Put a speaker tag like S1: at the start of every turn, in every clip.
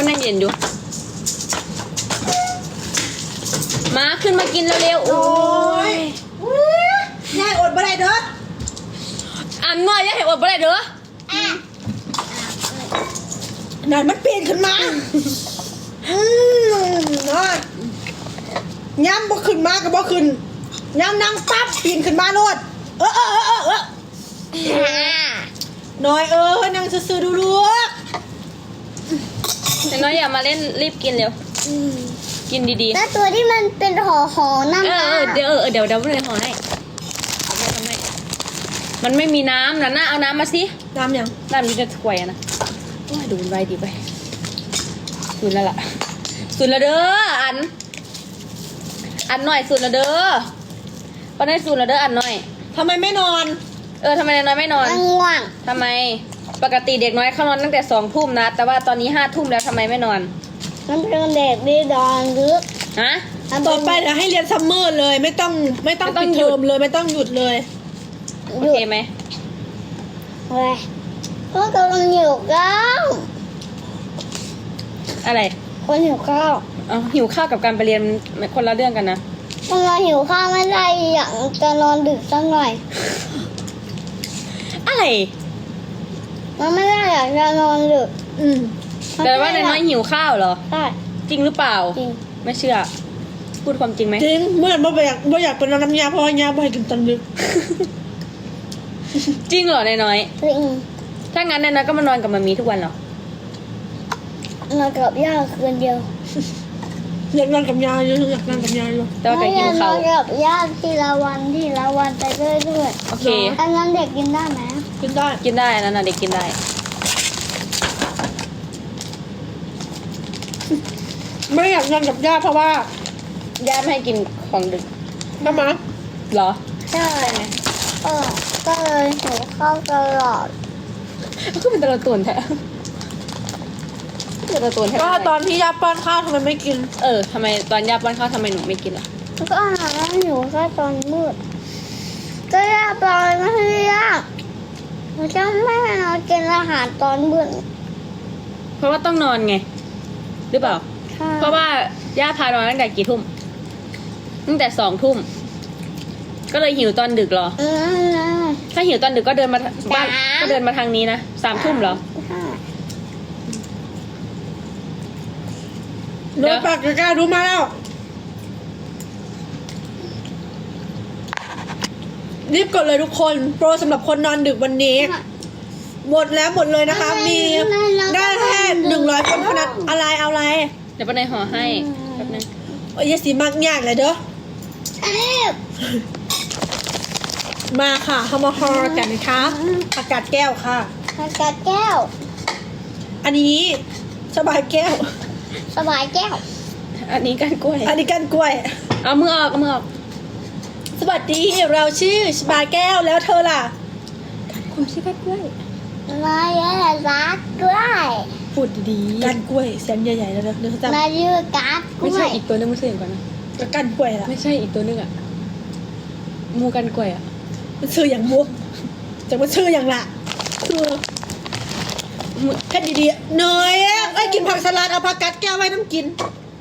S1: มันยังเย็นอยู่มาขึ้นมากินเร็วๆโอ้ย
S2: ยายอดบ่ได้เด้อ
S1: อันน้อยอย่าให้อดบ่ได้เด้อ
S2: นั่นมันปีนขึ้นมาน้อยย้ำบ่ขึ้นมาก็บ่ขึ้นย้ำนั่งปั๊บปีนขึ้นมาโลดน้อยนั่งซื่อๆดูลูก
S1: แต่น้อยอย่ามาเล่นรีบกินเร็วกินดีๆ
S3: แล้วตัวที่มันเป็นห่อนั่นนะ
S1: เดี๋ยวไม่ได้ห่อให้เอาไปทำไมมันไม่มีน้ำนะเอาน้ำมาสิ
S2: น้ำยัง
S1: น้ำมันจะถ้วยนะดูไว้ดีไปสุดแล้วล่ะสุดแล้วเด้ออันหน่อยสุดแล้วเด้อปนได้สุดแล้วเด้ออันหน่อย
S2: ทำไมไม่นอน
S1: ทำไมน้อยไม่นอน
S3: ง่วง
S1: ทำไมปกติเด็กน้อยเขานอนตั้งแต่2 ทุ่มนะแต่ว่าตอนนี้5 ทุ่มแล้วทำไมไม่นอน
S3: มันเป็นเด็กดีดอนลึก
S1: ฮะ
S2: ต่อไปจะให้เรียนซัมเมอร์เลยไม่ต้องปิดเทอมเลยไม่ต้องหยุดเลย
S1: โอเคไหม
S3: เฮ้ยก็กำลังหิวข้าว
S1: อะไร
S3: คนหิวข้าว
S1: หิวข้าวกับการไปเรียนคนละเรื่องกันนะ
S3: คนเราหิวข้าวไม่ได้อยากจะนอนดึกสักหน่อย
S1: อะไร
S3: มันไม่ได้อยากจะนอนดึก
S1: แต่ว่าน้อยหิวข้าวเหรอ
S3: ใช่
S1: จริงหรือเปล่า
S3: จริง
S1: ไม่เชื่อพูดความจริงไหม
S2: จริงเมื่อบ่อยากเป็นน้ำยาเพราะยาบ่อยกินตอนดึก
S1: จริงเหรอน้อย
S3: จริง
S1: ถ้างั้นน้อยก็มานอนกับมามีทุกวันเหร
S3: อนอนกับย่าคืนเดียว
S2: อยากนอนกับยาอยู่อยากนอนกับยาอยู่
S1: แต่ว่าแกกินข้าวน
S3: อนกับย่าทีละวันไปเรื่อย
S1: ๆโอเค
S3: อันนั้นเด็กกินได้ไหม
S2: กินได้
S1: นั่นน่ะเด็กกินได้
S2: ไม่อยากนอนกับย่าเพราะว่า
S1: ย่าไม่ให้กินของดึก
S2: ทำไม
S1: เหรอ
S3: ใช่ก็เลยหิวข้าวตลอด
S1: ก็เป็นตะตุ่นแท้
S2: ก็ตอนที่ย่าป้อนข้าวทำไมไม่กิน
S1: ทำไมตอนย่าป้อนข้าวทำไมหนูไม่กินล่ะ
S3: ก็อาหารแล้วหิวแค่ตอนมืดก็ย่าปล่อยไม่ให้ย่าหนูจะไม่ให้เรากินอาหารตอนมืด
S1: เพราะว่าต้องนอนไงหรือเปล่าเพราะว่าย่าพานอนตั้งแต่กี่ทุ่มตั้งแต่2 ทุ่มก็เลยหิวตอนดึกเหรอถ้าหิวตอนดึกก็เดินมาบ้านก็เดินมาทางนี้นะ3 ทุ่มเหรอ
S2: รถปากกล้ารู้มาแล้วรีบกดเลยทุกคนโปรสำหรับคนนอนดึกวันนี้หมดเลยนะคะมีได้แค่100 คนเท่านั้นอะไรเอาอะไร
S1: เดี๋ยวป้าในห่อให้แป๊บนึง
S2: ยาสีมากยากเลยเด้อมาค่ะเข้ามาฮอร์กันนะคะอากาศแก้วค่ะ
S3: อากาศแก้ว
S2: อันนี้สบายแก้ว
S3: สบายแก้ว
S1: อันนี้ก้านกล้วยเอามือออก
S2: สวัสดีเราชื่อสบายแก้วแล้วเธอล่ะ
S1: คุณชื่อก้านกล้วย
S3: มาเยอะรักกล้วย
S1: พูดดี
S2: ก้านกล้วยแสนใหญ่ๆแล้วนะเดี๋ยวจะ
S3: มาเยอะกัด
S1: ไม่ใช่อีกตัวนึงไม่ใช่อย่างก่อนนะ
S2: ก้านกล้วยล่ะ
S1: ไม่ใช่อีกตัวนึงอ่ะมูก้านกล้วยอ่ะ
S2: มันชื่ออย่างมุกจะมาชื่ออย่างละคือแค่ดีๆเนยไอ้กินผักสลัดเอาผักกัดแก้วไว้น้ำกิน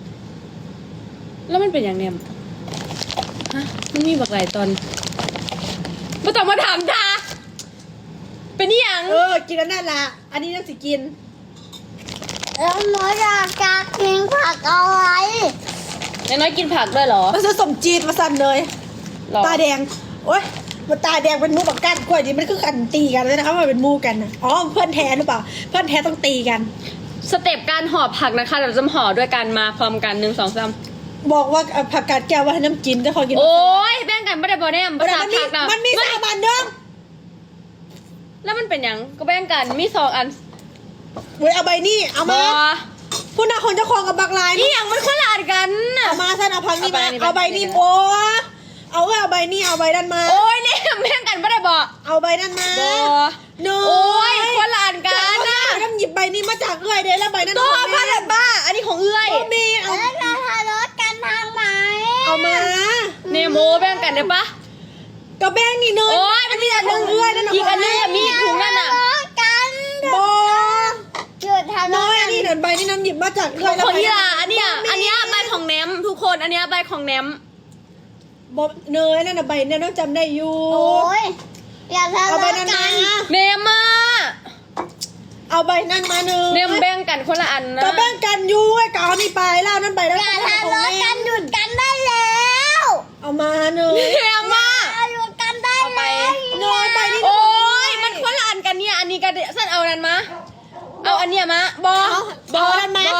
S1: แล้วมันเป็นอย่างเนี้ยฮะมันมีบักหลายตอนไม่ต้องมาถามทาเป็นนี่ยัง
S2: กินแล้วนั่นละอันนี้น่าสิกิน
S3: แล้วหนูอยากจะกินผักอะไร
S1: น้อยกินผักด้วยเหรอ
S2: มันผสมจีนมาสั่นเลยตาแดงโอ๊ยมันตาแดงเป็นมูกับก้านกล้วยนี่มันคือกันตีกันเลยนะคะมันเป็นมูกันนะเพื่อนแท้หรือเปล่าเพื่อนแท้ต้องตีกัน
S1: สเต็ปการห่อผักนะคะเราจะห่อด้วยกันมาพร้อมกัน1 2 3
S2: บอกว่าผักกาดแก้วว่าให้น้ำกินจะขอกิน
S1: โอ้ยแบ่งกันไม่ได้บอเนี่ยภาษาผักนะ
S2: มันมี3 อันเดิม
S1: แล้วมันเป็นยังก็แบ่งกันมี2 อัน
S2: เว้ยเอาใบนี้เอามาผู้น่าคนเจ้าของกับบักลาย
S1: นี่อย่างมันคนละอันกัน
S2: เอามาท่านเอาพังนี่มาเอาใบนี้โอ้เอาใบนี้เอาใบด้านมา
S1: โอ้ยเนี่ยแบ่งกันไม่ได้บอก
S2: เอาใบด้านมา
S1: โอ้ยคนละอันกัน
S2: นะต้องหยิบใบนี้มาจากเอื้อยเด้แล้วใบนั้น
S1: ตัวพันละบ้าอันนี้ของเอื้อย
S2: มีเอา
S3: เราทารถกันทางไหน
S2: เอามา
S1: เนี่ยโมแบ่งกันได้ปะ
S2: ก็แบ่งนี่เนย
S1: โอ้ยมันมีอันนึง
S2: เอื้อยนั่น
S1: อีกอันนึงมีถุงนั่นอ่ะ
S3: กัน
S2: โบ
S3: หยุดทารถกัน
S2: นี่เดี๋ยวใบนี่น้ำหยิบมาจากเอื้อย
S1: ของอีหลาอันเนี้ยใบของแหนมทุกคนอันเนี้ยใบของแหนม
S2: บอกเนยนั่นน่ะใบเนี่ยน้องจำได้อยู่
S3: โอ้ยอย่าทะ
S2: เอาใบ
S3: เลาะ
S2: นั้น
S3: กั
S2: มาน
S1: เนมมา
S2: เอาใบนั้นมาหนึ่ง
S1: เนมแบ่งกันคนละอันนะ
S2: ก็แบ่งกันอยู่ไอ้เก่านี่ไปแล้วนั่นใบแล้ว
S3: อย่าทะเลาะกันหยุดกันได้แล้ว
S2: เอามาหนึ่ง
S1: เนมมา
S3: หยุดกันได้
S1: เอาไป
S3: แล้ว
S2: น้อยไปนี่
S1: โอ้ยมันคนละอันกันเนี่ยอันนี้ก็สั้นเอานั้นมาเอาอันเนี้ยมาบอบอ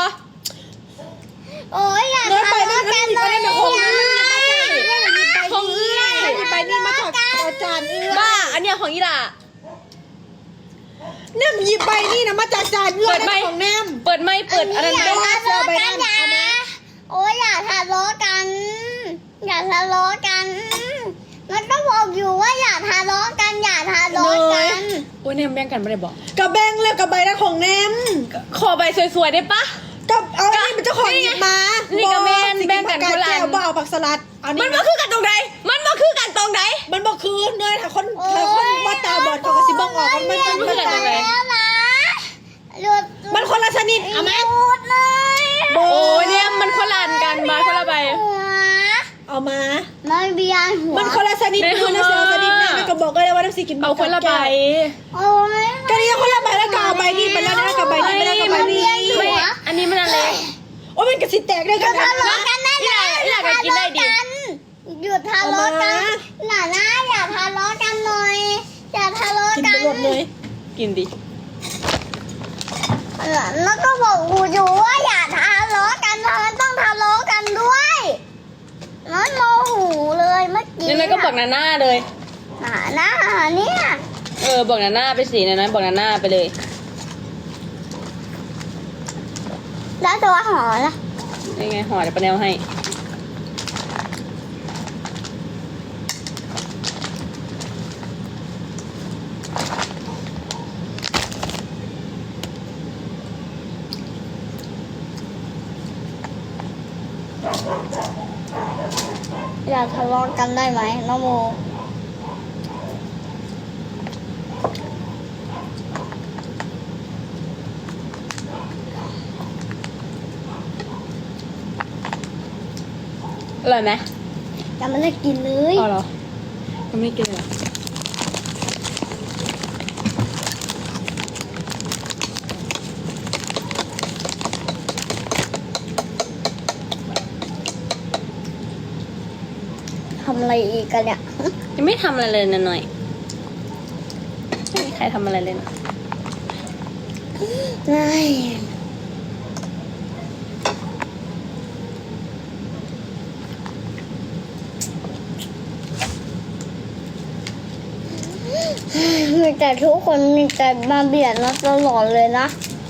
S3: โอ้ยอย่า
S2: น้อย
S3: ทะ
S2: ไป
S3: เลาะ
S2: นั่น
S3: กัน
S2: นี่
S3: เล
S2: ก็
S3: ย
S2: ได้นะของเอื้อย
S1: ของเอื้อย
S2: ใบนี่มาจากอาจารย์เอื้อย
S1: บ้าอันเนี้ยของอีหลา
S2: เนี่ยหยิบใบนี่นะมาจากจานเอื้อย
S1: เปิดไหม
S2: ของแนม
S1: เปิดไม่เปิดอันนั้น
S3: อย่า
S1: ไม่
S3: ทะเลาะกัน
S2: เอา
S3: อย่า
S2: มา
S3: โอ้ยอย่าทะเลาะกัน อย่าทะเลาะกัน มันก็บอกอยู่ว่าอย่าทะเลาะกันอย่าทะเลาะกัน
S1: โอ้ยเนมแบ่งกันไม่ได้บอก
S2: กับแบงแล้วกับใบนั้นของแนม
S1: ขอใบสวยๆได้ปะ
S2: กับเอาอันนี้เป็นเจ้าของหยิบมา
S1: นี่กับแม่นแบ่งกัน
S2: ค
S1: คน นละอัน
S2: แก้วบ่เอาผักสลัดเอานี่
S1: มันมาคือกันตรงไหนมันมาคือกันตรงไหน
S2: มันบอกคือเนยถ้าคนว่าตาบอดเขาก็สิบอกออกมัน
S1: มันคืออะไร
S3: แล้วนะหยุด
S2: มันคนละชนิดเอาไหม
S3: หยุดเลย
S2: โบ
S1: โอ้ยเนี่ยมันคนละอันกันมาคนละใบ
S3: หัว
S2: เอามา
S3: มันเบียนหัว
S2: มันคนละชนิด
S1: ไม่
S2: คือนะ
S1: เอา
S2: เสียชนิดนะมันก็บอกเลยว่าน้ำสีกิน
S1: เอาคนละใบ
S3: โอ้ย
S2: ก็นี่คนละใบแล้วก็เอาใบนี้ไปแล้วนะกับใบนี้ไปแล้วกับใบนี้
S1: ไม่อันนี้มันอะไร
S2: โอ้ยมันกระสิแตกเลยกัน
S3: ทะ
S2: นะ
S3: เลาะกันได้
S1: อีหลาอีหลาก็กินได้ดิ
S3: หยุดทะเลาะกันหน่านะอย่าทะเลาะกันหน่อยอย่าทะเลาะ
S2: กิน
S3: กั
S2: ไป
S3: น
S2: หมดเลย
S1: กินดิ
S3: แล้วก็บอกกูอยู่ว่าอย่าทะเลาะกันทำไมต้องทะเลาะกันด้วยน้อยโมโหเลยเมื่อกี้
S1: นั่นก็บอกนาน่าเลย
S3: หน่านะเนี่ย
S1: บอกนาน่าไปสินะบอกนาน่าไปเลย
S3: แล้วตัวหอล่ะ
S1: ยังไงห่อเดี๋ยวปาแนวให้
S3: อย่าทะเลาะกันได้ไหมน้องโม
S1: อร่อยไหม
S3: ยังไม่ได้กินเลย
S1: อ๋อเหรอยังไม่ได้กินเลยเหรอ
S3: ทำอะไรอีกกันเนี่ย
S1: ยังไม่ทำอะไรเลยนะหน่อยไม่มีใครทำอะไรเลยนะ
S3: ไม่ มีแต่ทุกคนมีแต่มาเบียดเราตลอดเลยนะ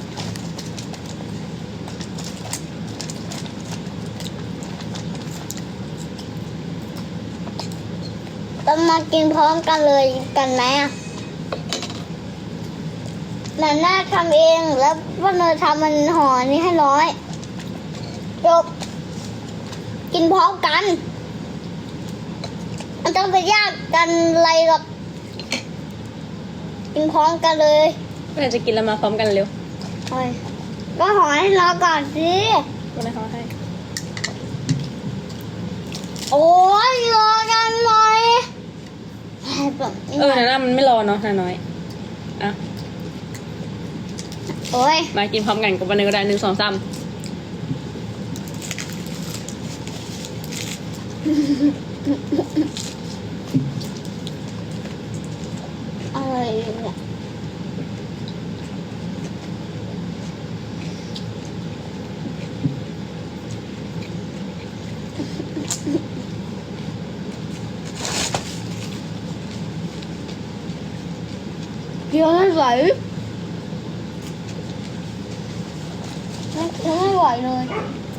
S3: ต้องมากินพร้อมกันเลยกันไหมอ่ะนันน่าทำเองแล้วพ่อเนยทำมันห่อนี้ให้ร้อยจบกินพร้อมกันมันต้องไปยากกันอะไรหรอกกินพร้อมกันเลย
S1: ก็เลยจะกินแล้วมาพร้อมกันเร็ว
S3: โอ้ยก็ห่อให้รอก่อนสิ
S1: ก็เลยเขาให้
S3: โอ้ยรอกันหน่อยแบบนี้
S1: นาน่ามันไม่รอเนาะนาน้อยอ่ะ
S3: โอ้ย
S1: มากินพร้อมกันกับวันหนึงก็ได้1 2 3
S3: อะไรเนี่ยเดี๋ยวไม่ไหวไม่ไหวเลย